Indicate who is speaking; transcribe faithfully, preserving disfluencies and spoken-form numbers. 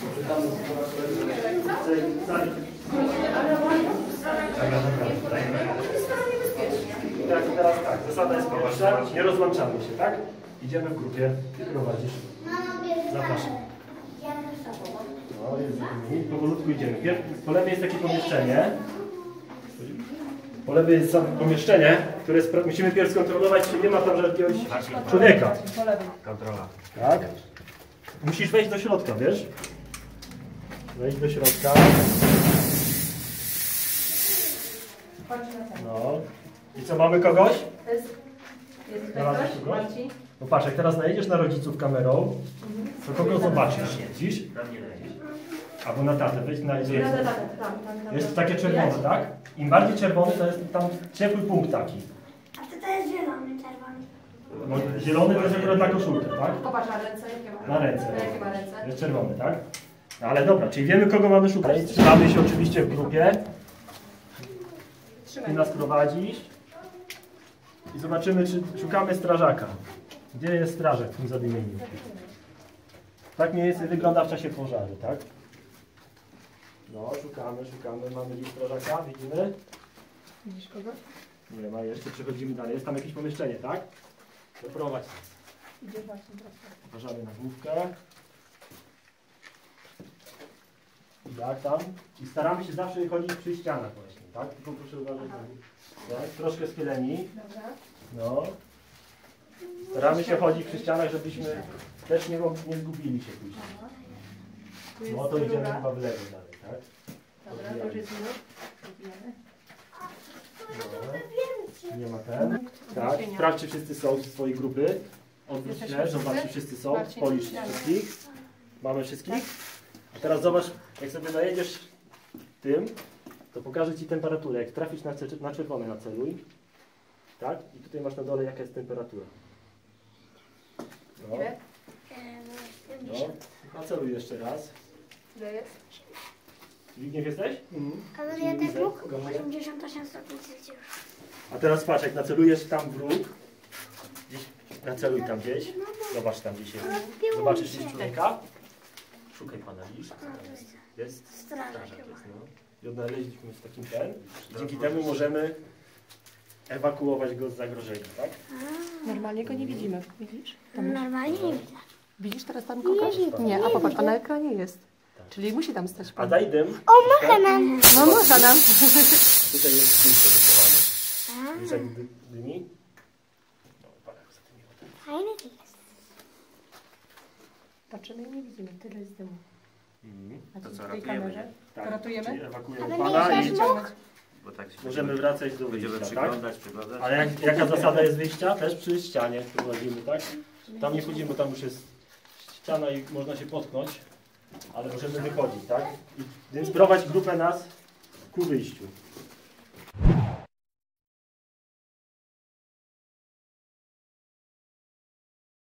Speaker 1: Tak, teraz tak, zasada jest prosta, nie rozłączamy się, tak? Idziemy w grupie, ty prowadzisz. Zapraszam. No, jest powolutku idziemy. Po lewej jest takie pomieszczenie. Po lewej jest pomieszczenie, które jest, musimy pierw skontrolować, czy nie ma tam jakiegoś człowieka.
Speaker 2: Kontrola.
Speaker 1: Tak? Musisz wejść do środka, wiesz? Wejść do środka. No. I co, mamy kogoś?
Speaker 3: Jest, jest tutaj ktoś? Marcin?
Speaker 1: No patrz, jak teraz najedziesz na rodziców kamerą, to kogo zobaczysz? Widzisz? Albo na tatę, wejdź na idzie. Jest takie czerwone, tak? Im bardziej czerwony, to jest tam ciepły punkt taki.
Speaker 4: A to, to jest zielony, czerwony.
Speaker 1: No, zielony to jest akurat na koszulkę, tak?
Speaker 3: Popatrz na ręce, jakie ma.
Speaker 1: Na ręce.
Speaker 3: Jakie ma ręce?
Speaker 1: Jest czerwony, tak? No, ale dobra, czyli wiemy, kogo mamy szukać. Trzymamy się oczywiście w grupie. Ty nas prowadzisz. I zobaczymy, czy szukamy strażaka. Gdzie jest strażak w tym zadymieniu? Tak mniej więcej wygląda w czasie pożaru, tak? No, szukamy, szukamy. Mamy gdzieś strażaka, widzimy?
Speaker 3: Widzisz kogoś?
Speaker 1: Nie ma, jeszcze przechodzimy dalej. Jest tam jakieś pomieszczenie, tak? Doprowadź nas.
Speaker 3: Idzie właśnie teraz.
Speaker 1: Uważamy na główkę. I jak tam? I staramy się zawsze chodzić przy ścianach właśnie, tak? Tylko proszę uważać na tak? Troszkę schyleni.
Speaker 3: Dobra.
Speaker 1: No. Staramy się chodzić przy ścianach, żebyśmy też nie, nie zgubili się później. No to idziemy chyba w lewo dalej, tak?
Speaker 3: Dobra, to już jest minut.
Speaker 1: No. Nie ma ten. Tak, sprawdź, czy wszyscy są z swojej grupy. Odwróć się, zobacz, czy wszyscy są. Policz wszystkich. Mamy wszystkich. A teraz zobacz, jak sobie najedziesz tym, to pokażę Ci temperaturę. Jak trafisz na, na czerwone, naceluj. Tak? I tutaj masz na dole, jaka jest temperatura. No. No. Naceluj jeszcze raz.
Speaker 3: Ile jest?
Speaker 1: Zbigniew jesteś? Mhm.
Speaker 4: Ale ja ten róg osiemdziesiąt osiem stopni Celsjusza.
Speaker 1: A teraz patrz, jak nacelujesz tam w róg, gdzieś, naceluj tam gdzieś, zobacz tam gdzieś jest. Zobaczysz gdzieś człowieka? Szukaj pana, widzisz? Jest? Strażak jest, no. I odnaleźliśmy w takim ten. Dzięki temu możemy ewakuować go z zagrożenia, tak?
Speaker 3: Normalnie go nie widzimy. Widzisz?
Speaker 4: Normalnie nie widzę.
Speaker 3: Widzisz teraz tam kogoś? Nie, a popatrz, a na ekranie jest. Czyli musi tam stać
Speaker 1: A
Speaker 3: pan.
Speaker 1: daj dym.
Speaker 4: O, może nam.
Speaker 3: No może nam.
Speaker 1: Tutaj jest dym wychowane. Widzisz jak dy, dymi? No, pan jak zadymiło.
Speaker 4: Fajny to jest.
Speaker 3: Patrzymy i nie widzimy, tyle jest dymu.
Speaker 1: Mhm.
Speaker 3: A
Speaker 2: To
Speaker 3: co
Speaker 2: co,
Speaker 3: w tej
Speaker 2: ratujemy,
Speaker 3: kamerze?
Speaker 1: Tak,
Speaker 3: Ratujemy?
Speaker 1: czyli ewakuujemy
Speaker 4: Ale
Speaker 1: pana
Speaker 4: nie
Speaker 1: i
Speaker 4: jest mógł.
Speaker 2: Bo tak się
Speaker 1: możemy wracać do
Speaker 2: będziemy
Speaker 1: wyjścia, tak?
Speaker 2: przyglądać, przyglądać.
Speaker 1: Ale jak, jaka zasada jest wyjścia? Też przy ścianie prowadzimy, tak? Tam nie chodzimy, bo tam już jest ściana i można się potknąć, ale możemy wychodzić, tak? I, więc prowadź grupę nas ku wyjściu.